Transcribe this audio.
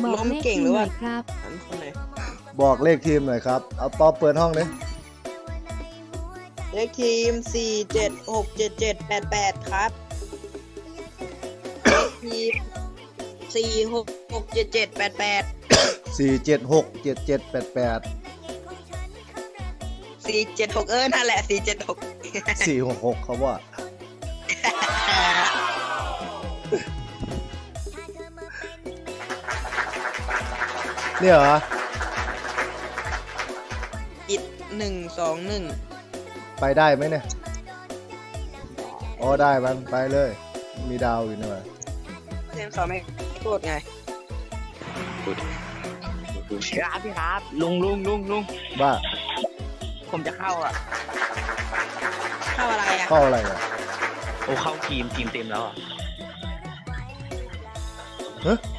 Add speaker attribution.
Speaker 1: บอก
Speaker 2: ล้ม
Speaker 1: เลข
Speaker 2: เก่ง
Speaker 1: ที
Speaker 2: หรือ
Speaker 1: หน่
Speaker 2: ว่า
Speaker 1: อยครับ
Speaker 2: อันคนไหน
Speaker 3: บอกเลขทีมหน่อยครับเอาป๊อปเปิดห้องเลย
Speaker 2: เลขทีม4767788ครับเลขทีม4667788
Speaker 3: 4767788
Speaker 2: 476นั่นแหละ476
Speaker 3: 466เขาว่าเนี่ยเหรอ
Speaker 2: อิด121
Speaker 3: ไปได้ไหมเนี่ยอ๋อได้มันไปเลยมีดาวอยู่นี่หว่า
Speaker 2: เล่นเขาไม่โทษไง
Speaker 4: ครับพี่ครับลุง
Speaker 3: บ้า
Speaker 4: ผมจะเข้าอ่ะ
Speaker 2: เข้าอะไรอ่ะ
Speaker 3: เข้าอะไรอ่ะ
Speaker 4: โอ้เข้าทีมเต็มแล้วอ่ะ
Speaker 3: ฮะ